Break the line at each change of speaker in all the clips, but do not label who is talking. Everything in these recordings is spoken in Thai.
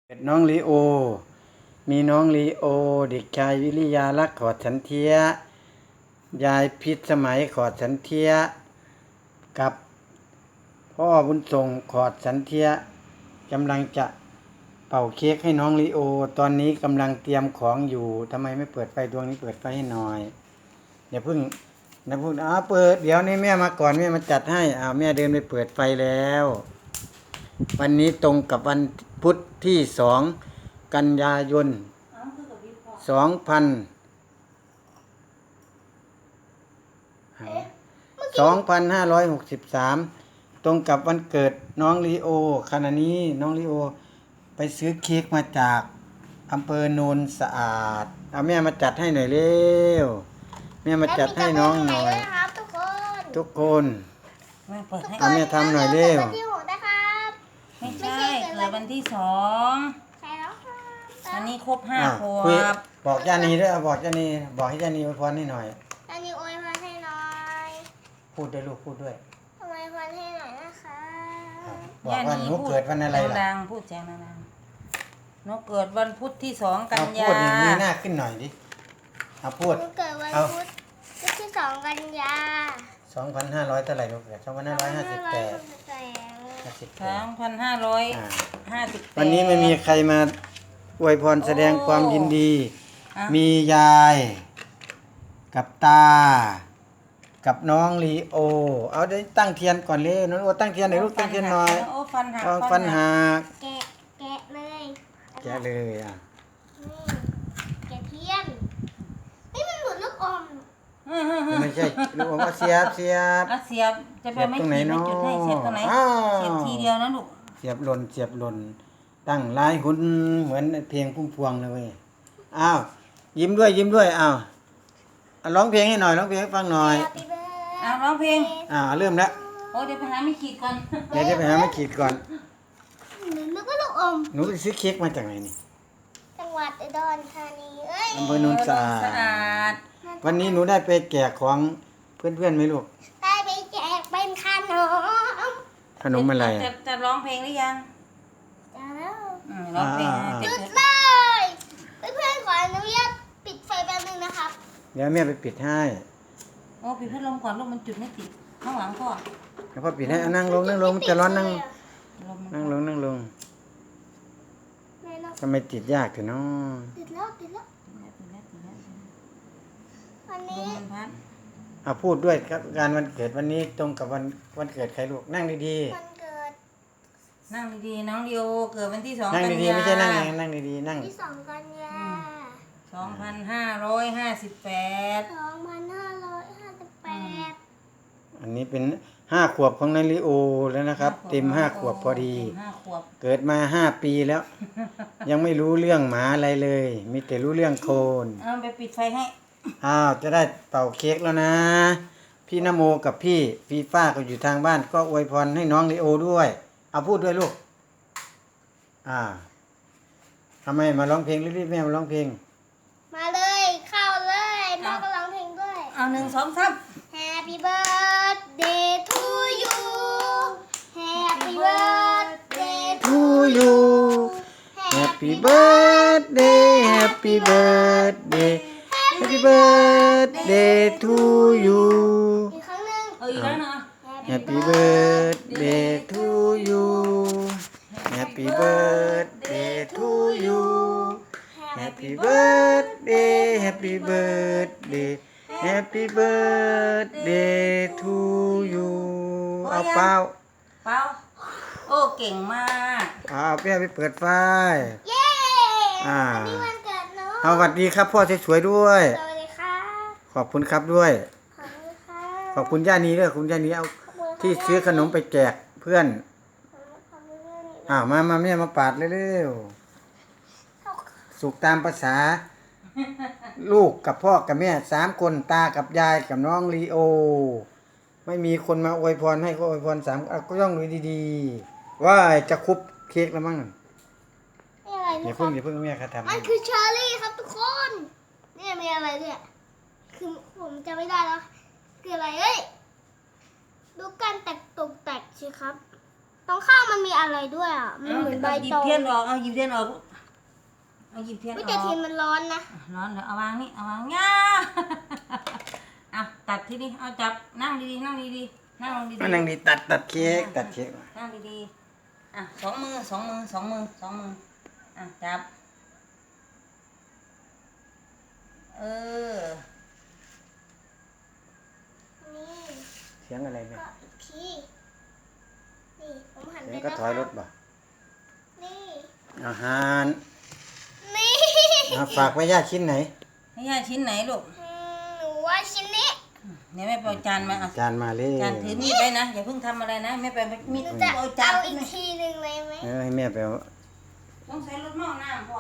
เป็นน้องลีโอ มีน้องลีโอ เด็กชายวิริยาลักษณ์ขอดสันเทีย ยายพิษสมัยขอดสันเทีย กับพ่อบุญส่งขอดสันเทียกำลังจะเป่าเค้กให้น้องลีโอ ตอนนี้กำลังเตรียมของอยู่ทำไมไม่เปิดไฟดวงนี้เปิดไฟให้หน่อยอย่าเพิ่งเปิดเดี๋ยวนี้แม่มาก่อนแม่มาจัดให้แม่เดินไปเปิดไฟแล้ว วันนี้ตรงกับวันพุธที่2 กันยายน 2563 ตรงกับวันเกิดน้องลีโอขณะนี้น้องลีโอไปซื้อเค้กมาจากอำเภอโนนสะอาดเอาแม่มาจัดให้หน่อยเร็วแม่มาจัดให้น้องหน่อยทุกคนเอาแม่ทำหน่อยเร็ว
ไม่ใช่เกิดวันที่2ใช่แล้วค่ะอันนี้ครบ5 ขวบ
บอกย่านีด้วยบอกย่านีบอกให้ย่านีอวยพรให้หน่อย
ย่านีอวยพรให้หน่อย
พูดด้วยลูกพูดด้วย
อวยพรให้หน่อยนะคะ
บอกว่าหนูเกิดวันอะไรล่ะ
ดังพูดแจ้งดังๆหนูเกิดวันพุธที่2 กันยา
พูดอย่างนี้หน้าขึ้นหน่อยดิพูด
หนูเกิดวันพุธที่2 กันยา
2,500เท่าไหร่ลูกเกิด2,558
2,558
วันนี้ไม่มีใครมาอวยพรแสดงความยินดี มียายกับตากับน้องลีโอเอาได้ตั้งเทียนก่อนเลยน้องโอตั้งเทียนหน่อยลูกตั้งเทียนหน่อย
โอ้ฟัน
หัก
แกะเลย
แกะเลย
แกะเทียนนี่มันเหมือนลูกอม
ไม่ใช่ลูกอมเสียบ
เสียบจะไปไม่ขีดไม่จุดให้เสียบตรงไหนเสียบทีเดียวนะลูก
เสียบหล่นตั้งลายหุ่นเหมือนเพลงพุ่มพวงเลยเว้ยยิ้มด้วยร้องเพลงให้หน่อยร้องเพลงให้ฟังหน่อย
ร้องเพลง
เริ่มแล้ว
โอ้เดี๋ยวไปหาไม่ขีดก่อน
เดี๋ยวไปหาไม่ขีดก่อน
นึกว่าลูกอม
หนูไปซื้อเค้กมาจากไหนนี่
จังหวัดอุดรธานี
อำเภอโนนสะอาดวันนี้หนูได้ไปแจกของเพื่อนไหมลูก
ได้ไปแจกเป็น
ขนมอะไร
จะร้องเพลงหรือยัง
จะแล้ว
ร้องเพลง
จุดเลยเพื่อนขออนุญาตปิดไฟแป๊บนึงนะครับ
เดี๋ยวแม่ไปปิดให้
โอ้ปิดพัดลมก่อนลูกมันจุดไม่ติดข้างหลังพ่อ
แล้วพ่อปิดให้นั่งลงมันจะร้อนนั่งลงทำไมติดยากถึงเนาะ
ติดแล้ววันนี้
พูดด้วยครับการวันเกิดวันนี้ตรงกับวันเกิดใครลูกนั่งดี
ๆวันเกิด
นั่งดีๆน้องดิโอเกิดวันที่2
กันยายนนั่งดีๆไม่ใช่นั่งดีๆนั่ง
ที่2 กันยา
2558
อันนี้เป็น5 ขวบของนายลิโอแล้วนะครับเต็ม5 ขวบพอดีเกิดมา5 ปีแล้ว ยังไม่รู้เรื่องหมาอะไรเลยมีแต่รู้เรื่องโคน
ไปปิดไฟให้
จะได้เป่าเค้กแล้วนะพี่นโมกับพี่ฟีฟ้าก็อยู่ทางบ้านก็อวยพรให้น้องลิโอด้วยพูดด้วยลูกทำไมมาร้องเพลงรีบๆแม่มาร้องเพลง
มาเลยเข้าเลยน้องก็ร้องเพลงด้วย
1 2 3
Happy birthday to you Happy birthday to you
Happy birthday Happy birthday Happy birthday to you
อีกครั้งนึง
อีกครั้งนึง
Happy birthday to you Happy birthday to you Happy birthday Happy birthday Happy birthday to you เป่า
โอ้เก่งมาก
เปี้ยไปเปิดไฟ
เย้วันนี้วันเกิดเนาะ
สวัสดีครับพ่อสวยๆด้วย
สวัสดีค่ะ
ขอบคุณครับด้วย
ขอบคุณค่ะ
ขอบคุณย่านีด้วยคุณย่านีเอาที่ซื้อขนมไปแจกเพื่อนมาแม่มาปาดเร็วๆสุกตามภาษาลูกกับพ่อกับแม่3 คนตากับยายกับน้องลีโอไม่มีคนมาอวยพรให้ก็อวยพร3ก็ต้องดูดีๆว่าจะคุบเค้กแล้วมั้งอย่าเพิ่งแม่ครับทำ
มันคือเชอร์รี่ครับทุกคนนี่มีอะไรเนี่ยคือผมจะไม่ได้แล้วคืออะไรดูการตกแต่งสิครับตรงข้างมันมีอะไรด้วยอ่ะมันเหมือนใบ
หยิ
ต
บ
อง
เทียนออกเอาหยิบเทียนออกเอาหยิบเทียนอ
ไม่
อก
แต่ทีมันร้อนนะ
ร้อนเดี๋ยวเอาวางนี่เอาวางง่า อ่ะตัดทีนี้เอาจับนั่งดีๆนั่งดีๆนั่งลงดีๆ
มานั่งดีตัดเค้กตัดเค้ก
นั่งดีๆอ่ะสองมืออ่ะจับเออ
นี่
เสียงอะไรเนี่ย
ก็อีกทีนี่ผมหัน
เสี
ไป
ยงก็ถอยรถบ่
นี่
อาหาร
นี่
ฝากไว้ย่าชิ้นไหน
ให้ย่าชิ้นไหนลูก
หนูว่าชิ้นนี้
เดี๋ยวแม่ไปเอาจานมาอ่ะ
จานมาเลย
จานถือมีดไว้นะอย่าเพิ่งทำอะไรนะแม่ไปมีด
หนูจะ
เอาจาน
เอาอีกทีหนึ่งเลยไหม
ให้แม่ไปเอา
ต้องใช้รถหม้อน้ำพ่อ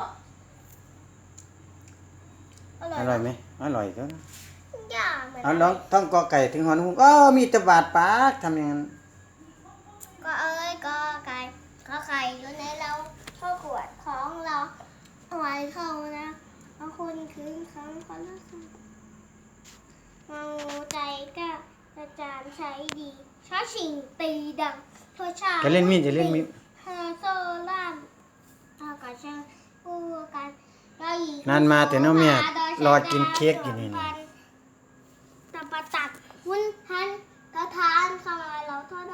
อร่อยไหมอร่อยก็
อย่าเหมือน
เอาลองท่องกอไก่ถึงหอนุ่มมีแตะบาดปากทำอย่างนั้น
ก็เอ้ยก็ไก่ก็ไข่อยู่ในเราเข้าขวดของเราเอาไว้เข้านะเอาคนคืนครั้งคนละครั้งเมาใจกล้าอาจารย์ใช้ดีช้าชิงตีดังเพื่อชาติ
จะเล่นมีดจะเล่นมีด
เธอโซล่ามเอากับช่างคู่กันเราหญิง
นานมาแต่น้องเมียรอกินเค้กอยู่นี่
พัน